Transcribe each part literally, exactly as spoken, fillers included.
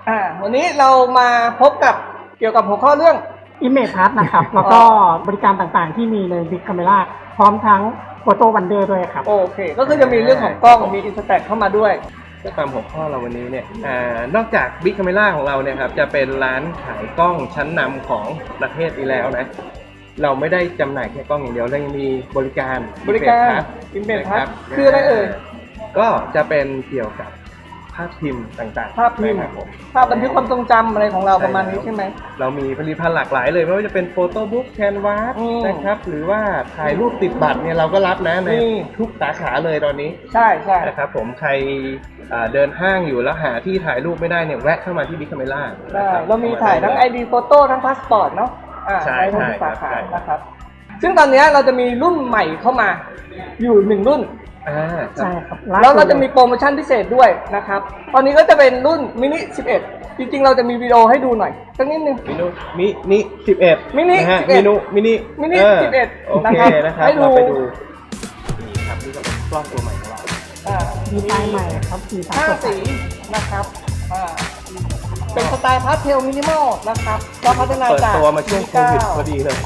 อ่าวันนี้เรามาพบกับเกี่ยวกับหัวข้อเรื่อง Image Pass นะครับ แล้วก็บริการต่างๆที่มีใน Big Camera พร้อมทั้ง Photo Wonder ด้วยครับโอเคก็คือจะมีเรื่องของกล้องมี Instax เข้ามาด้วยก็ตามหัวข้อเราวันนี้เนี่ยอ่านอกจาก Big Camera ของเราเนี่ยครับจะเป็นร้านขายกล้องชั้นนำของประเทศนี้แล้วนะเราไม่ได้จำหน่ายแค่กล้องอย่างเดียวเรายังมีบริการบริการ Image Pass คืออะไรเอ่ยก็จะเป็นเกี่ยวกับภาพพิมพ์ต่างๆภาพพิมพ์ภาพบันทึกความทรงจำอะไรของเราประมาณนี้ใช่ไหมเรามีผลิตภัณฑ์หลากหลายเลยไม่ว่าจะเป็นโฟโต้บุ๊กแคนวาสนะครับหรือว่าถ่ายรูปติดบัตรเนี่ยเราก็รับนะในทุกสาขาเลยตอนนี้ใช่ใช่นะครับผมใครเดินห้างอยู่แล้วหาที่ถ่ายรูปไม่ได้เนี่ยแวะเข้ามาที่บิ๊กคาเมล่าเรามีถ่ายทั้ง ไอ ดี โฟโต้ทั้งพาสปอร์ตเนาะใช่ทุกสาขานะครับซึ่งตอนนี้เราจะมีรุ่นใหม่เข้ามาอยู่หนึ่งรุ่นใช่ครับแล้วเราจะมีโปรโมชั่นพิเศษด้วยนะครับตอนนี้ก็จะเป็นรุ่นมินิสิบเอ็ดจริงๆเราจะมีวิดีโอให้ดูหน่อยสักนิดนึงมินิมินิสิบเอ็ดมินิสิบเอ็ดมินิมินิสิบเอ็ดโอเคนะครับเราไปดูนี่ครับนี่ก็เป็นกล้องตัวใหม่ของเราดีไซน์ใหม่ครับสีห้าสีนะครับเป็นสไตล์พาสเทลมินิมอลนะครับเราพัฒนาจากเปิดตัวมาช่วงโควิดพอดีเลย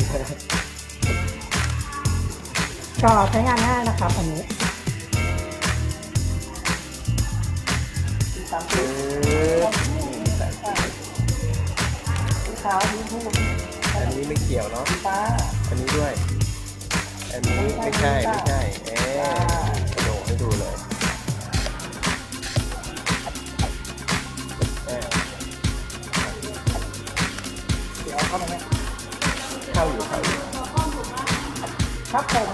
ก็ใช้งานง่ายนะครับอันนี้สามสีสีขาวสีชมพูอันนี้ไม่เกี่ยวเนาะฟ้าอันนี้ด้วยอันนี้ไม่ใช่ไม่ใช่เอ๊ะกระโดดให้ดูเลยเดี๋ยวเข้ามาไหมเข้าอยู่เข้าอยู่ครับผม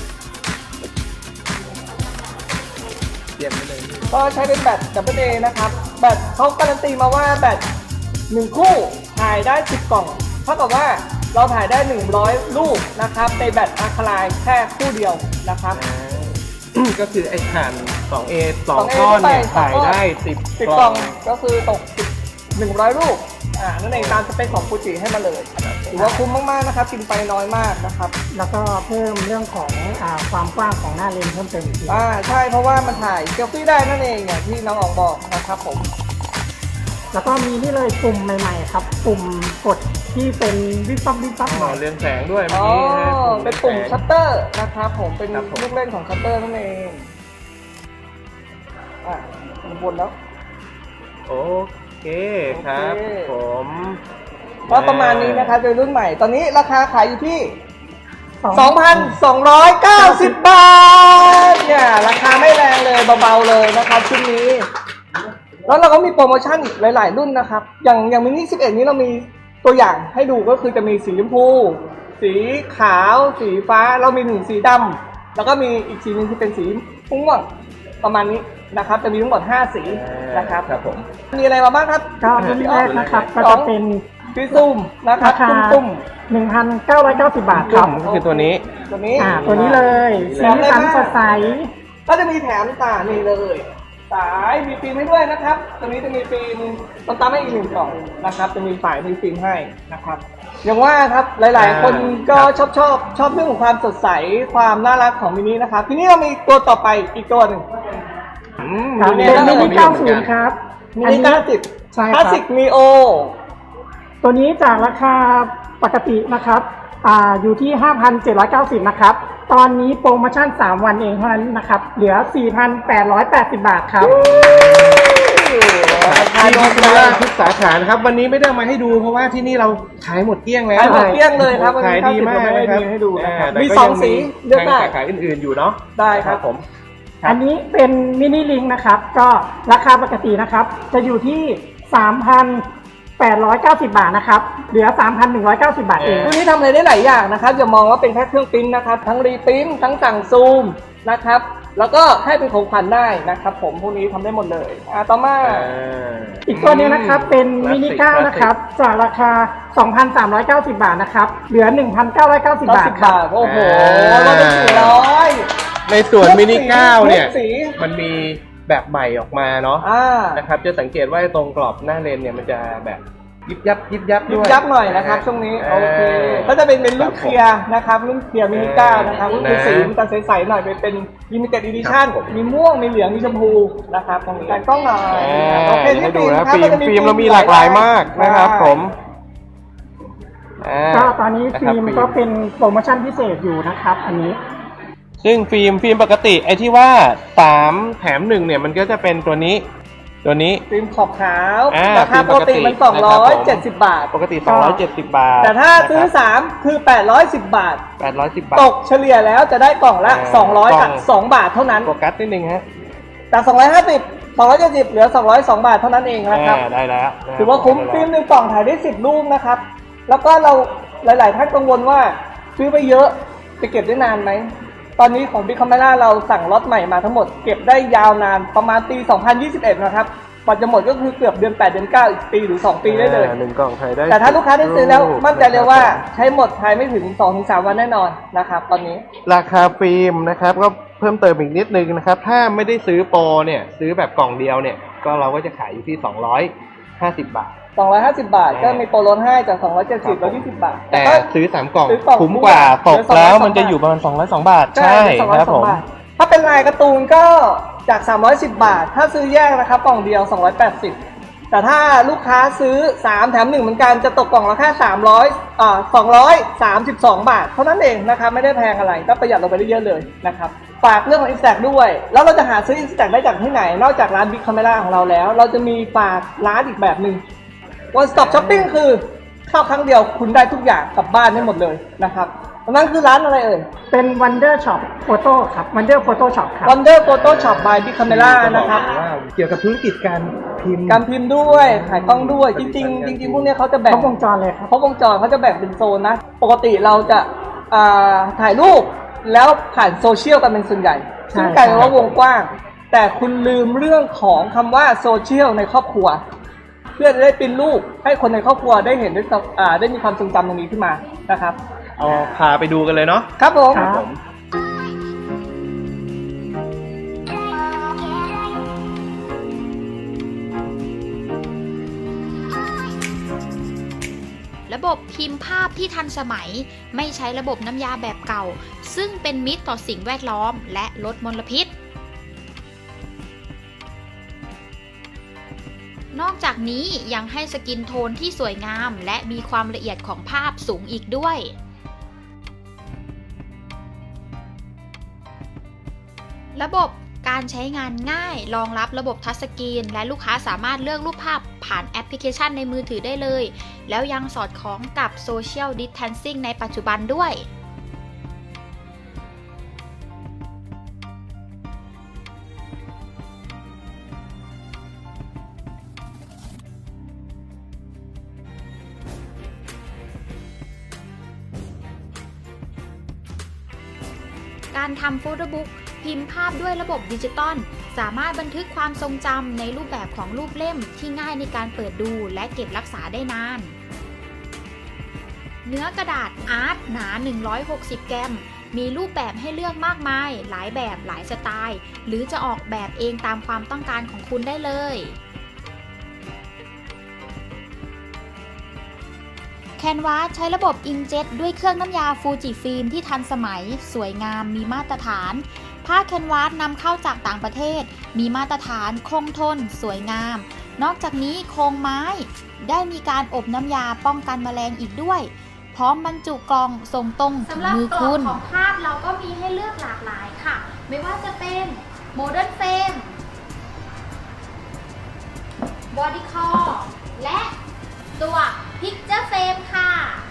เตรียมไปเลยก็ใช้เป็นแบต ดับเบิลเอ นะครับแบตเขาการันตีมาว่าแบตหนึ่งคู่ถ่ายได้สิบกล่องเท่ากับว่าเราถ่ายได้หนึ่งร้อยรูปนะครับในแบตอะคาไลน์แค่คู่เดียวนะครับก็คือไอ้ถ่าน สอง เอ สองก้อนเนี่ยถ่ายได้สิบกล่องก็คือตกหนึ่งร้อยรูปอ่านั่นเองตามสเปคของฟูจิให้มาเลยถือว่าคุ้มมากๆนะครับกินไปน้อยมากนะครับแล้วก็เพิ่มเรื่องของอ่าความกว้างของหน้าเลนส์เพิ่มเติมอีกอ่าใช่เพราะว่ามันถ่ายเซลฟี่ได้นั่นเองอย่างที่น้องอองบอกนะครับผมแล้วก็มีนี่เลยปุ่มใหม่ๆครับปุ่มกดที่เป็นวิบวับวิบวับหน่อยเรืองแสงด้วยอ๋อเป็นปุ่มชัตเตอร์นะครับผมเป็นลูกเล่นของชัตเตอร์นั่นเองอ่ะบนแล้วโอเคครับผมก็ประมาณนี้นะครับโดยรุ่นใหม่ตอนนี้ราคาขายอยู่ที่ สองพันสองร้อยเก้าสิบ บาทเนี่ยราคาไม่แรงเลยเบาๆเลยนะครับชุดนี้แล้วเราก็มีโปรโมชั่นหลายๆรุ่นนะครับอย่างอย่างมินิสิบเอ็ดนี้เรามีตัวอย่างให้ดูก็คือจะมีสีชมพูสีขาวสีฟ้าเรามีหนึ่งสีดำแล้วก็มีอีกสีนึงที่เป็นสีม่วงประมาณนี้นะครับจะมีทั้งหมดห้าสีนะครับครับผมมีอะไรมาบ้างครับก็รุ่นแรกนะครับก็จะเป็นพี่ซุ่มนะครับตุ้มๆ หนึ่งพันเก้าร้อยเก้าสิบ บาทครับก็คือตัวนี้ตัวนี้อ่าตัวนี้เลยสีสันสดใสก็จะมีแถมตานี่เลยสายมีฟิล์มให้ด้วยนะครับตัวนี้จะมีฟิล์มต้องตามให้อีกหนึ่งกล่องนะครับจะมีสายมีฟิล์มให้นะครับอย่างว่าครับหลายๆคนก็ชอบชอบชอบเรื่องของความสดใสความน่ารักของมินินะครับทีนี้เรามีตัวต่อไปอีกตัวหนึ่งเป็นมินิเก้าสิบครับมินิเก้าสิบคลาสสิกนีโอตัวนี้จากราคาปกตินะครับอ่าอยู่ที่ ห้าพันเจ็ดร้อยเก้าสิบ นะครับตอนนี้โปรโมชั่นสามวันเองเท่านั้นนะครับเหลือ สี่พันแปดร้อยแปดสิบ บาทครับที่บิ๊กคาเมล่าทุกสาขานะครับวันนี้ไม่ได้มาให้ดูเพราะว่าที่นี่เราขายหมดเกลี้ยงแล้วขายหมดเกลี้ยงเลยครับขายดีมากนะครับให้ดูนะครับมีสองสีเลือกได้สาขาอื่นๆอยู่เนาะได้ครับผมอันนี้เป็นมินิลิงนะครับก็ราคาปกตินะครับจะอยู่ที่ สามพันแปดร้อยเก้าสิบ บาทนะครับเหลือ สามพันหนึ่งร้อยเก้าสิบ บาทเองรุ่นนี้ทำอะไรได้หลายอย่างนะครับอย่ามองว่าเป็นแค่เครื่องปริ้นนะครับทั้งรีปริ้นทั้งสั่งซูมนะครับแล้วก็ให้เป็นของขวัญได้นะครับผมพวกนี้ทำได้หมดเลยอ่าต่อมาอีกตัวนึงนะครับเป็นมินิเก้านะครับจากราคา สองพันสามร้อยเก้าสิบ บาทนะครับเหลือ หนึ่งพันเก้าร้อยเก้าสิบ บาทครับโอ้โหลดไปสี่ร้อยในส่วนมินิเก้าเนี่ยมันมีแบบใหม่ออกมาเนาะนะครับจะสังเกตว่าตรงกรอบหน้าเลนเนี่ยมันจะแบบยิบยับยิบยับยุด้บวยยับหน่อยนะครับช่วงนี้โอเคก็จะเป็นเป็นรุ่นเคลียร์นะครับรุ่นเคลียร์มินิก้านะครับรุ่นคือสีมันจะใสๆหน่อยเป็นเป็นลิมิเต็ดอีดิชั่นมีม่วงมีเหลืองมีชมพูนะครับตรงนี้การกล้องหน่อยอ่าโอเคให้ที่ดูฟิล์มนะครับฟิล์มก็จะฟิล์มเรามีหลากหลายมากนะครับผมอ่าก็ตอนนี้ฟิล์มนะคก็รับเป็นโปรโมชั่นพิเศษอยู่นะครับ อันนี้ซึ่งฟิล์มฟิล์มปกติไอ้ที่ว่าสามแถมหนึ่งเนี่ยมันก็จะเป็นตัวนี้ ตัวนี้ฟิล์มขอบขาวอ่าราคาปกติมันฟิล์มปกติสองร้อยเจ็ดสิบบาทปกติสองร้อยเจ็ดสิบบาทแต่ถ้าซื้อนะครับสามคือแปดร้อยสิบบาทแปดร้อยสิบบาทตกเฉลี่ยแล้วจะได้กล่องละอ่าสองร้อยกล่กับองสองบาทเท่านั้นโฟกัสนิดนึงฮะจากสองร้อยห้าสิบ สองร้อยเจ็ดสิบเหลือสองร้อยสองบาทเท่านั้นเองนะครับอ่าได้แล้วนะถือว่าคุ้มฟิล์มหนึ่งกล่องถ่ายได้สิบรูปนะครับ แล้วก็เราหลาย ๆ ท่านกังวลว่าซื้อไปเยอะจะเก็บได้นานไหม ตอนนี้ของ Big Camera เราสั่งล็อตใหม่มาทั้งหมดเก็บได้ยาวนานประมาณปีสองพันยี่สิบเอ็ดนะครับกว่าจะหมดก็คือเกือบเดือนแปดเดือนเก้าอีกปีหรือสองปีได้เลยอ่าหนึ่งกล่องถ่ายได้แต่ถ้าลูกค้าได้ซื้อแล้วรูปมั่นใจเลยว่านะครับใช้หมดภายไม่ถึง สองถึงสาม วันแน่นอนนะครับตอนนี้ราคาฟิล์มนะครับก็เพิ่มเติมอีกนิดนึงนะครับ ถ้าไม่ได้ซื้อโปรเนี่ยซื้อแบบกล่องเดียวเนี่ยก็เราก็จะขายอยู่ที่สองร้อยห้าสิบบาทสองร้อยห้าสิบบาทอ่าก็มีโปรลดให้จากสองร้อยเจ็ดสิบครับแล้วยี่สิบบาทแต่ก็ซื้อสามกล่องซื้อกล่องคุ้มกว่าเหลืตอกแล้วสองร้อยสองมันจะอยู่ประมาณสองร้อยสองบาทใช่ใช่สองร้อยครับสอผงมบาทถ้าเป็นลายการ์ตูนก็จากสามร้อยสิบบาท ถ้าซื้อแยกนะครับกล่องเดียวสองร้อยแปดสิบแต่ถ้าลูกค้าซื้อสามแถมหนึ่งเหมือนกันจะตกกล่องละแค่สามร้อยอ่าสองร้อยสามสิบสองบาทเท่านั้นเองนะครับไม่ได้แพงอะไรก็ประหยัดลงไปได้เยอะเลยนะครับฝากเรื่องของ Instax ด้วย แล้วเราจะหาซื้อ Instax ได้จากที่ไหนนอกจากร้าน Big Camera ของเราแล้ว เราจะมีฝากร้านอีกแบบหนึ่ง One Stop Shopping คือเข้าครั้งเดียวคุณได้ทุกอย่างกลับบ้านได้หมดเลยนะครับนั่นคือร้านอะไรเอ่ยเป็น Wonder Shop Photo ครับ Wonder Photo Shop ครับ Wonder Photo Shop by Big Camera นะครับว่าเกี่ยวกับธุรกิจการพิมพ์การพิมพ์ด้วยขายกล้องด้วยจริงๆจริงๆพวกเนี้ยเขาจะคแบ่รง บวงจรเลยครับครบวงจรเขาจะแบ่งเป็นโซนนะ ปกติเราจะอ่าถ่ายรูปแล้วผ่านโซเชียลกันเป็นส่วนใหญ่ใช่ซึ่งกลายเป็นว่าวงกว้าง แต่คุณลืมเรื่องของคำว่าโซเชียลในครอบครัว เพื่อจะได้เป็นรูปให้คนในครอบครัวได้เห็นได้สัมอ่าได้มีความทรงจำตรงนี้ขึ้นมานะครับเอาพาไปดูกันเลยเนาะครับผมครับระบบพิมพ์ภาพที่ทันสมัยไม่ใช้ระบบน้ำยาแบบเก่า ซึ่งเป็นมิตรต่อสิ่งแวดล้อมและลดมลพิษ นอกจากนี้ยังให้สกินโทนที่สวยงามและมีความละเอียดของภาพสูงอีกด้วย ระบบการใช้งานง่ายรองรับระบบทัชสกรีนและลูกค้าสามารถเลือกรูปภาพผ่านแอปพลิเคชันในมือถือได้เลย แล้วยังสอดคล้องกับ Social Distancing ในปัจจุบันด้วย การทำโฟโต้บุ๊กพิมพ์ภาพด้วยระบบดิจิตอลสามารถบันทึกความทรงจำในรูปแบบของรูปเล่มที่ง่ายในการเปิดดูและเก็บรักษาได้นาน เนื้อกระดาษอาร์ตหนา หนึ่งร้อยหกสิบ กรัม มีรูปแบบให้เลือกมากมาย หลายแบบหลายสไตล์ หรือจะออกแบบเองตามความต้องการของคุณได้เลย แคนวาสใช้ระบบอิงเจ็ตด้วยเครื่องน้ำยาฟูจิฟิล์มที่ทันสมัยสวยงามมีมาตรฐานผ้าแคนวาสนำเข้าจากต่างประเทศมีมาตรฐานคงทนสวยงามนอกจากนี้โครงไม้ได้มีการอบน้ำยาป้องกันแมลงอีกด้วยพร้อมบรรจุกล่องส่งตรงถึงมือคุณสำหรับกล่องของภาพเราก็มีให้เลือกหลากหลายค่ะไม่ว่าจะเป็นโมเดิร์นเฟรมบอดี้คอร์และตัวพิกเจอร์เฟรมค่ะ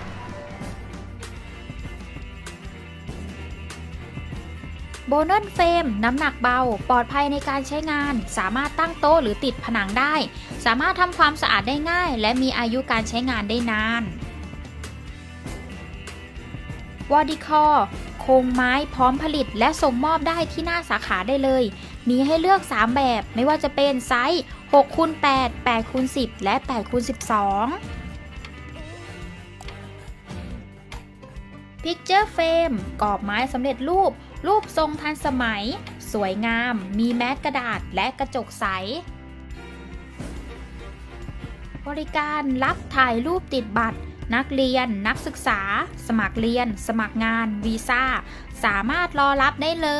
โบนัสเฟรมน้ำหนักเบาปลอดภัยในการใช้งานสามารถตั้งโต๊ะหรือติดผนังได้สามารถทำความสะอาดได้ง่ายและมีอายุการใช้งานได้นานวอดิคอร์โครงไม้พร้อมผลิตและส่งมอบได้ที่หน้าสาขาได้เลยมีให้เลือกสามแบบไม่ว่าจะเป็นไซส์ หกคูณแปด แปดคูณสิบ และ แปดคูณสิบสอง Picture Frame กรอบไม้สำเร็จรูปรูปทรงทันสมัยสวยงามมีแมสกระดาษและกระจกใสบริการรับถ่ายรูปติดบัตรนักเรียนนักศึกษาสมัครเรียนสมัครงานวีซ่าสามารถรอรับได้เลย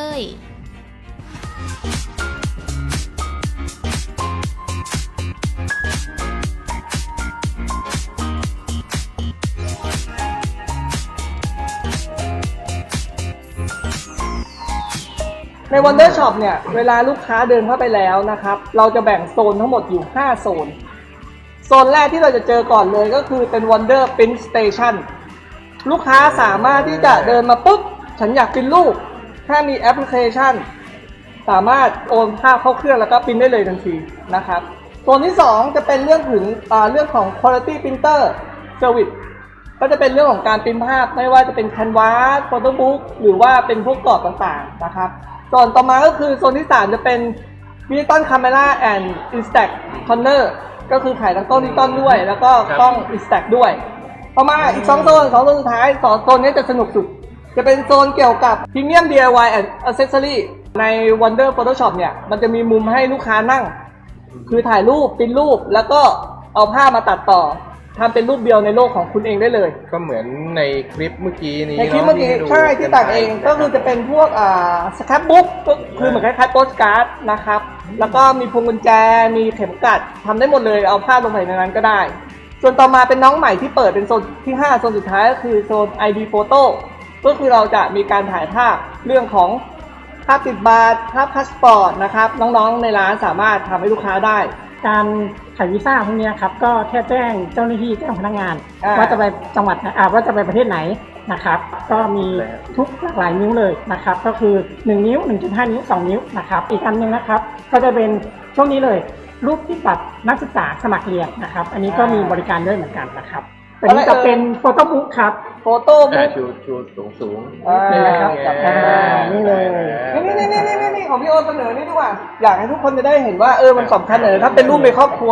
ใน Wonder Shop เนี่ยเวลาลูกค้าเดินเข้าไปแล้วนะครับเราจะแบ่งโซนทั้งหมดอยู่ห้าโซนโซนแรกที่เราจะเจอก่อนเลยก็คือเป็น Wonder Print Station ลูกค้าสามารถที่จะเดินมาปุ๊บฉันอยากพิมพ์รูปถ้ามีแอปพลิเคชันสามารถโอนภาพเข้าเครื่องแล้วก็พิมพ์ได้เลยทันทีนะครับโซนที่สองจะเป็นเรื่องถึงเรื่องของ Quality Printer Service ก็จะเป็นเรื่องของการพิมพ์ภาพไม่ว่าจะเป็น Canvas Photobook หรือว่าเป็นพวกกรอบต่างๆนะครับส่วนต่อมาก็คือโซนที่สามจะเป็น Digital Camera and Instax Corner ก็คือขายทั้งกล้องดิจิตอลด้วยแล้วก็กล้อง Instax ด้วยต่อมาอีกสองโซนสองโซนสุดท้ายสองโซนนี้จะสนุกสุดจะเป็นโซนเกี่ยวกับ Premium ดี ไอ วาย and Accessory ใน Wonder Photoshop เนี่ยมันจะมีมุมให้ลูกค้านั่งคือถ่ายรูปพิมพ์รูปแล้วก็เอาภาพมาตัดต่อทำเป็นรูปเดียวในโลกของคุณเองได้เลยก็เหมือนในคลิปเมื่อกี้นี้ในคลิปเมื่อกี้ใช่ที่ตัดเองก็คือจะเป็นพวกอ่าสครับบุ๊กก็คือเหมือนคล้ายๆโปสการ์ดนะครับแล้วก็มีพวงกุญแจมีเข็มกลัดทำได้หมดเลยเอาภาพลงไปในนั้นก็ได้ส่วนต่อมาเป็นน้องใหม่ที่เปิดเป็นโซนที่ห้าโซนสุดท้ายก็คือโซน ไอ ดี Photo ก็คือเราจะมีการถ่ายภาพเรื่องของภาพติดบัตรภาพพาสปอร์ตนะครับน้องๆในร้านสามารถทำให้ลูกค้าได้การถ่ายวีซ่าพวกนี้ครับก็แค่แจ้งเจ้าหน้าที่แจ้งพนักงานว่าจะไปจังหวัดอ่าว่าจะไปประเทศไหนนะครับก็มีทุกหลากหลายนิ้วเลยนะครับก็คือหนึ่งนิ้ว หนึ่งจุดห้า นิ้วสองนิ้วนะครับอีกอันนึงนะครับก็จะเป็นช่วงนี้เลยรูปที่บัตรนักศึกษาสมัครเรียนนะครับอันนี้ก็มีบริการด้วยเหมือนกันนะครับอันนี้จะเป็นโฟโต้บุ๊กครับโฟโต้บุ๊กชูชูสูงสูงนี่นะครับนี่เลยนี่นี่นี่นี่นี่ของพี่โอเสนอนี่ดีกว่าอยากให้ทุกคนจะได้เห็นว่าเออมันสำคัญเลยถ้าเป็นรูปในครอบครัว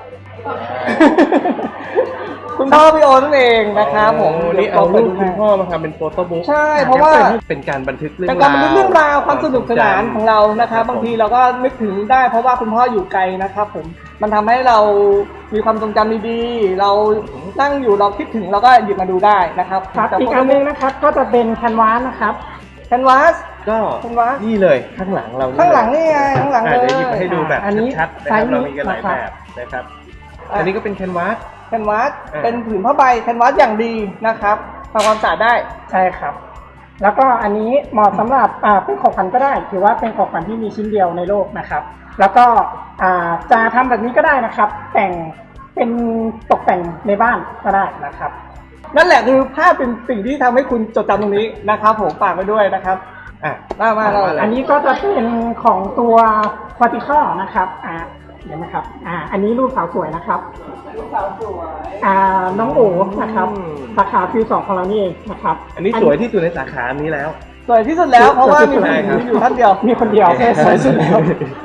คุณพ่อพี่โอนั่นเองนะครับผมนี่เอารูปคุณพ่อมาทำเป็นโฟโต้บุ๊กใช่เพราะว่าเป็นการบันทึกเรื่องราวเป็นการบันทึกเรื่องราวความสนุกสนานของเรานะครับบางทีเราก็นึกถึงได้เพราะว่าคุณพ่ออยู่ไกลนะครับผมมันทำให้เรามีความทรงจำดีๆเรานั่งอยู่เราคิดถึงเราก็หยิบมาดูได้นะครับอีกอันนึงนะครับก็จะเป็นแคนวาสนะครับแคนวาสก็นี่เลยข้างหลังเราข้างหลังนี่ไงข้างหลังเลยเดี๋ยวหยิบมาให้ดูแบบชัดๆนะครับเรามีกันหลายแบบนะครับอันนี้ก็เป็นแคนวาสแคนวาสเป็นผืนผ้าใบแคนวาสอย่างดีนะครับทำความสะอาดได้ใช่ครับแล้วก็อันนี้เหมาะสำหรับอ่าเป็นของขวัญก็ได้ถือว่าเป็นของขวัญที่มีชิ้นเดียวในโลกนะครับแล้วก็อ่าจะทำแบบนี้ก็ได้นะครับแต่งเป็นตกแต่งในบ้านก็ได้นะครับนั่นแหละคือภาพเป็นสิ่งที่ทำให้คุณจดจำตรงนี้นะครับผมฝากไว้ด้วยนะครับอ่ะมามาเราอันนี้ก็จะเป็นของตัวควอติคอนะครับอ่าเห็นไหมครับอ่าอันนี้รูปสาวสวยนะครับรูปสาวสวยอ่าน้องโอ๋นะครับสาขาฟิวสองของเรานี่เองนะครับอันนี้สวยที่สุดในสาขานี้แล้วสวยที่สุดแล้วเพราะว่ามีคนอยู่ท่านเดียวมีคนเดียวสวยสุดแล้ว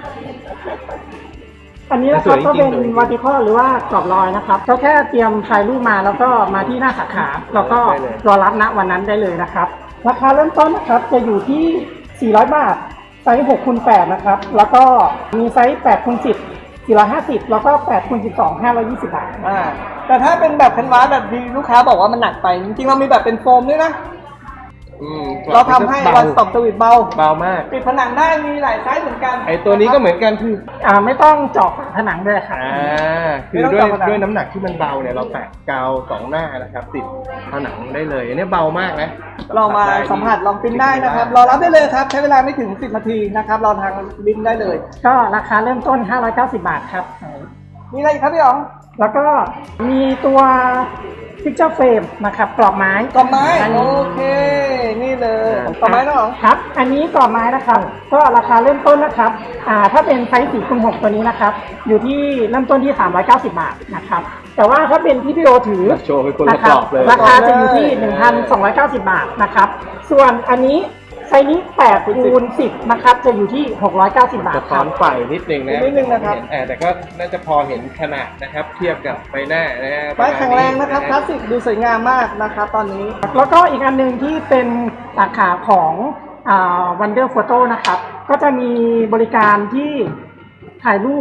อันนี้นะครับก็เป็นวาติคอลหรือว่ากรอบรอยนะครับก็แค่เตรียมถ่ายรูปมาแล้วก็มาที่หน้าสาขาแล้วก็รอรับณวันนั้นได้เลยนะครับราคาเริ่มต้นนะครับจะอยู่ที่สี่ร้อยบาทไซส์หกคูณแปดนะครับแล้วก็มีไซส์แปดคูณสิบ สี่ร้อยห้าสิบแล้วก็แปดคูณสิบสอง ห้าร้อยยี่สิบบาทอ่าแต่ถ้าเป็นแบบแคนวาสแบบที่ลูกค้าบอกว่ามันหนักไปจริงๆเรามีแบบเป็นโฟมด้วยนะเราทำให้วันสต็อปสวิตเบาเบามากปิดผนังได้มีหลายไซส์เหมือนกันไอตัวนี้ก็เหมือนกันคืออ่าไม่ต้องเจาะผนังด้วยค่ะอ่าคือด้วยด้วยน้ำหนักที่มันเบาเนี่ยเราแปะกาวสองหน้านะครับติดผนังได้เลยอันนี้เบามากนะเรามาสัมผัสลองปิ้นได้นะครับรอรับได้เลยครับใช้เวลาไม่ถึงสิบนาทีนะครับเราทางบินได้เลยก็ราคาเริ่มต้นห้าร้อยเก้าสิบบาทครับมีอะไรครับพี่อ๋องแล้วก็มีตัวพิกเจอร์เฟรมนะครับกรอบไม้กรอบไม้โอเคนี่เลยกรอบไม้นะครับอันนี้กรอบไม้นะครับก็ราคาเริ่มต้นนะครับอ่าถ้าเป็นไซส์สี่คูณหกตัวนี้นะครับอยู่ที่เริ่มต้นที่สามร้อยเก้าสิบบาทนะครับแต่ว่าถ้าเป็นที่พี่โอถือนะครับราคาจะอยู่ที่ หนึ่งพันสองร้อยเก้าสิบบาทนะครับส่วนอันนี้ไซส์นี้แปดคูณสิบนะครับจะอยู่ที่หกร้อยเก้าสิบบาทจะซ้อนไฟนิดนึงนะนิดนึงนะครับแต่ก็น่าจะพอเห็นขนาดนะครับเทียบกับใบหน้านะฮะไม้แข็งแรงนะครับคลาสสิกดูสวยงามมากนะครับตอนนี้แล้วก็อีกอันนึงที่เป็นสาขาของอ่า Wonder Photo นะครับก็จะมีบริการที่ถ่ายรูป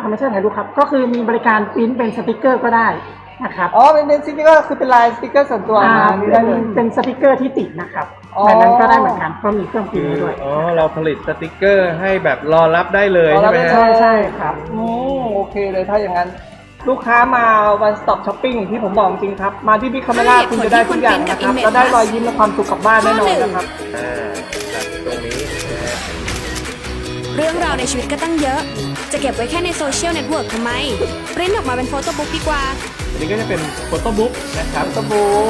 ไม่ใช่ถ่ายรูปครับ ก็คือมีบริการปริ้นเป็นสติกเกอร์ก็ได้นะครับอ๋อเป็นเป็นสติ๊กเกอร์คือเป็นลายสติ๊กเกอร์ส่วนตัวอ่ามานี่เป็ได้นเลยเป็นสติกเกอร์ที่ติดนะครับอ๋อแบบนั้นก็ได้เหมือนกันก็มีเครื่องปริ้นคือให้ด้วยอ๋อเราผลิตสติกเกอร์ให้แบบรอรับได้เลยรอรัใช่บไหมได้ฮะใช่ใช่ครับอืมโอเคเลยถ้าอย่างนั้น ลูกค้ามา one stop shopping อย่างที่ผมบอกจริงครับ มาที่บิ๊กคาเมล่าคุณจะได้ทุกอย่างนะครับแล้วได้รอยยิ้มและความสุขกลับบ้านแน่นอนนะครับอ่าครับตรงนี้นะฮะเรื่องราวในชีวิตก็ตั้งเยอะ จะเก็บไว้แค่ในโซเชียลเน็ตเวิร์กทำไม ปริ้นออกมาเป็นโฟโต้บุ๊กดีกว่าอันนี้ก็จะเป็นโฟโต้บุ๊กนะครับสบู่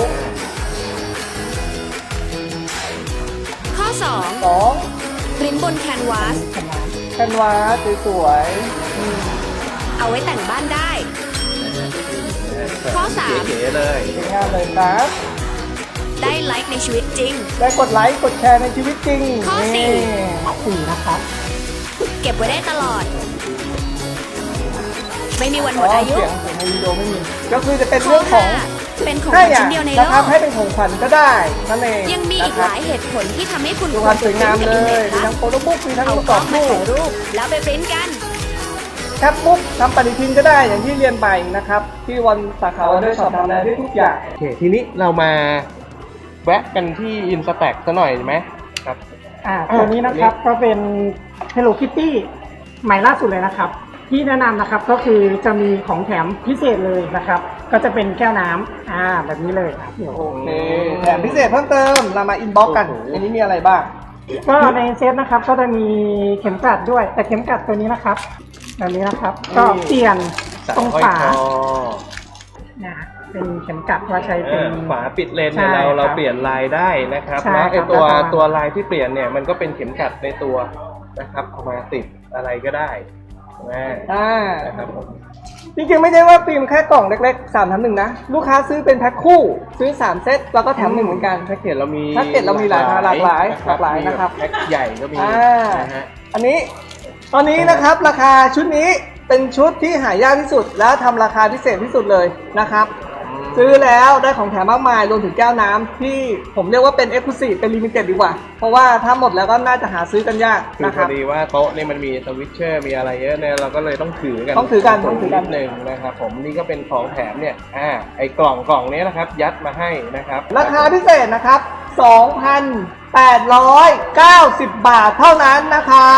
ข้อสอง 2 ปริ้นบนแคนวาสแคนวาสสวยเอาไว้แต่งบ้านได้ ข้อสามเก๋ๆเลยๆสวยงามเลยครับได้ไลค์ในชีวิตจริงได้กดไลค์กดแชร์ในชีวิตจริงข้อสี่นี่สี่นะครับเก็บไว้ได้ตลอด ไม่มีวันหมอ๋อดอายุเสียงเสียงในวิดีโอไม่มีก็คือจะเป็นข้อเรื่องของห้าเป็นของขให้วัญอ่ะชิ้นเดียวในนะโลครับกให้เป็นของขวัญก็ได้นั่นเองยังมีอีกนะคหรับลายเหตุผลที่ทำให้คุณดูความสวยงามควเลรยจะมีปริ้นทั้งโฟโต้บุ๊กมีทั้งเอารูปกกรล้ออบ งมารูปถ่ายรูป แล้วไปปริ้นกันแคปบุ๊กทำปฏิทินก็ได้อย่างที่เรียนไปนะครับ ที่วันสาขาวันด้วยสอบทำได้ทุกอย่างโอเคทีนี้เรามาแวะกันที่อินสแต็กซะหน่อยไหมครับอ่าตัวนี้นะครับก็เป็น Hello Kitty ใหม่ล่าสุดเลยนะครับ ที่แนะนำนะครับก็คือจะมีของแถมพิเศษเลยนะครับ ก็จะเป็นแก้วน้ำอ่าแบบนี้เลยครับโอเคแถมพิเศษเพิ่มเติมเรามาอินบ็อกกันโอ้โหอันนี้มีอะไรบ้างก็ในเซตนะครับก็จะมีเข็มกลัดด้วย แต่เข็มกลัดตัวนี้นะครับแบบนี้นะครับ ก็เปลี่ยนสายตรงห้อยฝาคอนะเป็นเข็มกลัดว่าใช้เอเป็นอฝาปิดเลนเนี่ยใช่เราเราครับเปลี่ยนลายได้นะครับใช่แล้วไอครับตัวแล้วก็ตัวลายที่เปลี่ยนเนี่ยมันก็เป็นเข็มขัดในตัวนะครับเอามาติดอะไรก็ได้นะอ่านะครับผมจริงๆไม่ได้ว่าฟิล์มแค่กล่องเล็กๆสามแถมหนึ่งนะ ลูกค้าซื้อเป็นแพ็คคู่ ซื้อสามเซตแล้วก็แถมหนึ่งเหมือนกันแพ็กเกจเรามีแพ็กเกจเรามีหลายหลากหลายหลากหลายนะครับมีแพ็กใหญ่ก็มีอ่านะฮะอันนี้ตอนนี้นะครับราคาชุดนี้เป็นชุดที่หายากที่สุด และทำราคาพิเศษที่สุดเลยนะครับ ซื้อแล้วได้ของแถมมากมายรวมถึงแก้วน้ำที่ผมเรียกว่าเป็น Exclusive เป็น Limited ดีกว่า เพราะว่าถ้าหมดแล้วก็น่าจะหาซื้อกันยากคือนะพครัอบ ดีว่าโต๊ะนี่มันมีสวิตเชอร์มีอะไรเยอะเนี่ยเราก็เลยต้องถือกันต้องถือกันต้องถือกันดนึงนะครับผมนี่ก็เป็นของแถมเนี่ยอ่าไอ้กล่องกล่องนี้นะครับ ยัดมาให้นะครับราคาพิเศษนะครับ สองพันแปดร้อยเก้าสิบ บาทเท่านั้นนะครับ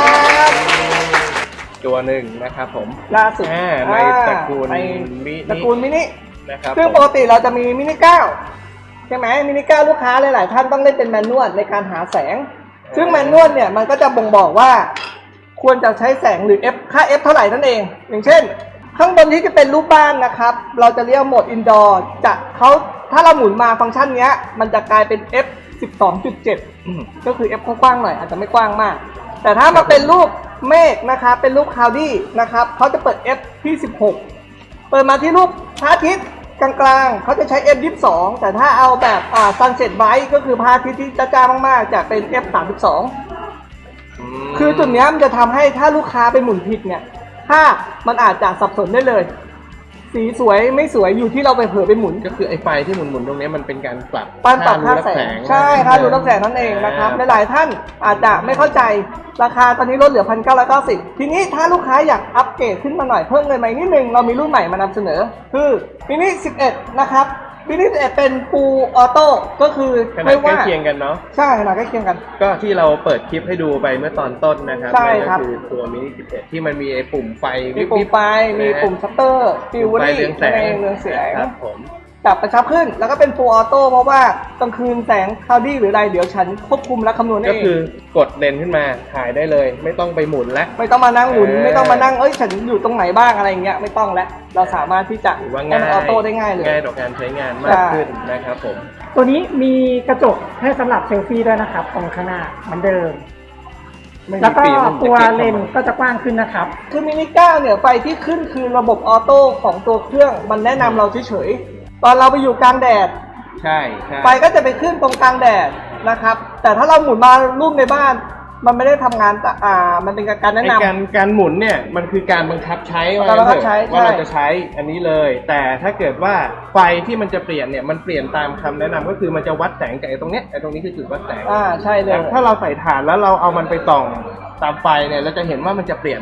ตัวหนึ่งนะครับผมล่าสุดอ่าในตระกูลในมินิตระกูลมินินะครับซึ่งผมปกติเราจะมีมินิเก้าใช่ไหมมินิเก้าลูกค้าหลายๆท่านต้องเล่นเป็นแมนนวลในการหาแสง ซึ่งแมนนวลเนี่ยมันก็จะบ่งบอกว่า ควรจะใช้แสงหรือ F ค่า F เท่าไหร่นั่นเอง อย่างเช่น ข้างบนที่จะเป็นรูปบ้านนะครับ เราจะเรียกโหมดอินดอร์จะเขาถ้าเราหมุนมาฟังก์ชันเนี้ย มันจะกลายเป็น F สิบสองจุดเจ็ดอืมก็คือ F กว้างๆหน่อยอาจจะไม่กว้างมาก แต่ถ้ามาเป็นรูปเมฆนะครับเป็นรูปคลาวดี้นะครับเขาจะเปิด F ที่สิบหกเปิดมาที่รูปพระอาทิตย์กลางๆเขาจะใช้ F ยี่สิบสองแต่ถ้าเอาแบบอ่า Sunset Bright ก็คือพระอาทิตย์ที่จ้าๆมากๆจะเป็น F สามสิบสองมคือจุดเนี้ยมันจะทำให้ถ้าลูกค้าไปหมุนผิดเนี่ยภาพมันอาจจะสับสนได้เลย สีสวยไม่สวยอยู่ที่เราไปเผลอไปหมุนก็คือไอ้ไฟที่หมุนๆตรงนี้มันเป็นการปรับปานปรับค่ารู้แสรับงใช่ค่าดูรับแสงนั่นเองนะครับหลายๆท่านอาจจะไม่เข้าใจราคาตอนนี้ลดเหลือ หนึ่งพันเก้าร้อยเก้าสิบ ทีนี้ถ้าลูกค้าอยากอัปเกรดขึ้นมาหน่อยเพิ่มเงินมาอีกนิดนึงเรามีรุ่นใหม่มานำเสนอ คือมินิสิบเอ็ดนะครับมินิสิบเอ็ดเป็น Full Auto ก็คือขนาไม่ดใกล้ว่าเคียงกันเนาะใช่ขนาดใกล้เคียงกันก็ที่เราเปิดคลิปให้ดูไปเมื่อตอนต้นนะครับใช่นั่นครัก็บคือตัวมินิสิบเอ็ดที่มันมีไอ้ปุ่มไฟมีปุ่มไฟมีปุ่มชัตเตอร์ฟิวปุ่มไฟรี่เรืองแสนั่นงเองเรืองแสงครับผมจับกระชับขึ้นแล้วก็เป็น Full Auto เพราะว่ากลางคืนแสงคลาวดี้หรืออะไรเดี๋ยวฉันควบคุมและคำนวณก็เองคือกดเลนส์ขึ้นมาถ่ายได้เลย ไม่ต้องไปหมุนแล้วไม่ต้องมานั่งหมุนเออไม่ต้องมานั่งเอ้ยฉันอยู่ตรงไหนบ้างอะไรอย่างเงี้ยไม่ต้องแล้วเราสามารถที่จะถือว่าให้ง่ายมันออโต้ได้ง่ายเลยง่ายต่อการใช้งานมากขึ้นนะครับผมตัวนี้มีกระจกให้สำหรับเซลฟี่ด้วยนะครับตรงข้างหน้าเหมือนเดิมไม่มีแล้วก็ฟิล์มตัวจะก็บเลนส์ก็จะกว้างขึ้นนะครับคือมินิเก้าเนี่ยไฟที่ขึ้นคือระบบออโต้ของตัวเครื่องมันแนะนำเราเฉยๆตอนเราไปอยู่กลางแดดใช่ใช่ไฟก็จะไปขึ้นตรงกลางแดดนะครับแต่ถ้าเราหมุนมารูปในบ้าน มันไม่ได้ทำงานแต่อ่ามันเป็นการแนะไอ้นำการการหมุนเนี่ยมันคือการบังคับใช้ว่าการบังคับงั้นเถอะใช้ว่าเราใช่จะใช้อันนี้เลย แต่ถ้าเกิดว่าไฟที่มันจะเปลี่ยนเนี่ยมันเปลี่ยนตามคำแนะนำก็คือมันจะวัดแสงจากไอ้ตรงเนี้ยไอ้ตรงนี้คือจุดวัดแสงอ่าใช่เลยแต่ถ้าเราใส่ถ่านแล้วเราเอามันไปส่องตามไฟเนี่ยเราจะเห็นว่ามันจะเปลี่ยน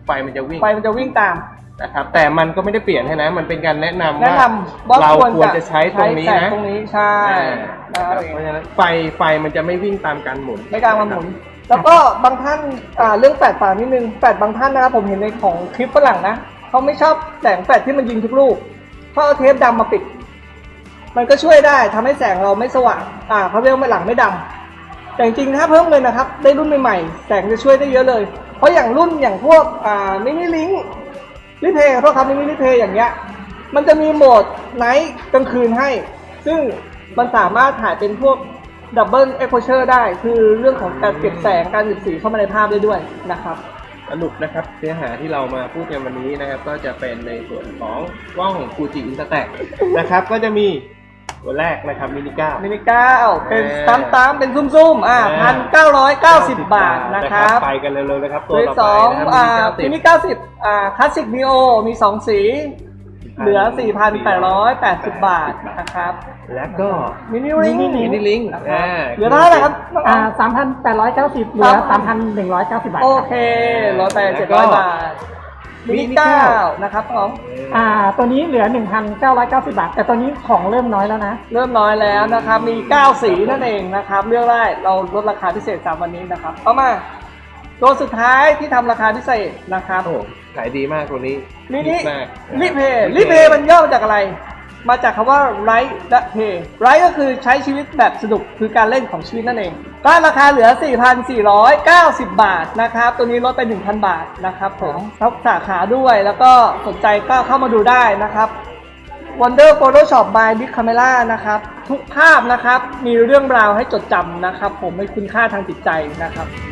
ไฟมันจะวิ่งไฟมันจะวิ่งตามนะครับแต่มันก็ไม่ได้เปลี่ยนให้นะมันเป็นการแนะนำแนะว่านำว่าเราควรควรจะใช้ตรงนี้ใช้แสนะตรงนี้ใช่อ่านะคนะครัรับบเพราะฉะนั้นไฟไฟมันจะไม่วิ่งตามการหมุนไม่กลางมันหมุน แล้วก็บางท่านอ่าเรื่องแฟลชฝานิดนึงแฟลชบางท่านนะครับผมเห็นในของคลิปฝรั่งนะเขาไม่ชอบแสงแฟลชที่มันยิงทุกลูกเขาเอาเทปดำมาปิด มันก็ช่วยได้ทำให้แสงเราไม่สว่างอ่าเขาเรียกว่าหลังไม่ดำแต่จริงๆถ้าเพิ่มเลยนะครับได้รุ่นใหม่ๆแสงจะช่วยได้เยอะเลย เพราะอย่างรุ่นอย่างพวกอ่ามินิลิงรีเพย์เพราะครับมินิรีเพย์อย่างเงี้ยมันจะมีโหมดไนท์กลางคืนให้ ซึ่งมันสามารถถ่ายเป็นพวกดับเบิลเอ็กโพเชอร์ได้คือเรื่องของการเก็บแสงการหยุดสีเข้ามาในภาพได้ด้วยนะครับสรุปนะครับเนื้อหาที่เรามาพูดกันวันนี้นะครับก็จะเป็นในส่วนของกล้อง Fuji Instax นะครับก็จะมีตัวแรกนะครับมินิก้ามินิเก้าเป็นอ่าตามตามเป็นซุ่มๆอ่าพันเก้าร้อยเก้าสิบบาทนะครับไปกันเร็วๆนะครับตัตัว วต่อที่สไปองนะครับอ่ามิมินินิเก้าสิบเก้าสิบอ่าคลาสสิกนีโอมีสองสี เหลือ สี่พันแปดร้อยแปดสิบบาทนะครับแล้วก็มินิลิงมินิลิงนะครับอ่าเหลือเท่าไหร่ครับอ่าสามพันแปดร้อยเก้าสิบเหลือสามพันหนึ่งร้อยเก้าสิบบาทโอครับเคลดไปเจ็ดร้อยบาทมินิเก้านะครับของอ่าตัวนี้เหลือหนึ่งพันเก้าร้อยเก้าสิบบาท แต่ตัวนี้ของเริ่มน้อยแล้วนะเริ่มน้อยแล้วนะครับ มีเก้าสีนั่นเองนะครับเลือกได้เราลดราคาพิเศษสามวันนี้นะครับเอามาตัวสุดท้ายที่ทำราคาพิเศษนะครับโอ้โหขายดีมากตัวนี้มินิฮิตมากลิเพย์ลิเพย์มันย่อมาจากอะไร มาจากคำว่าไรท์และเพย์ไรท์ก็คือใช้ชีวิตแบบสนุกคือการเล่นของชีวิตนั่นเองก็ราคาเหลือ สี่พันสี่ร้อยเก้าสิบบาทนะครับตัวนี้ลดไป หนึ่งพัน บาทนะครับผมทับสาขาด้วยแล้วก็สนใจก็เข้ามาดูได้นะครับ Wonder Photoshop by Big Camera นะครับทุกภาพนะครับมีเรื่องราวให้จดจำนะครับผมมีคุณค่าทางจิตใจนะครับ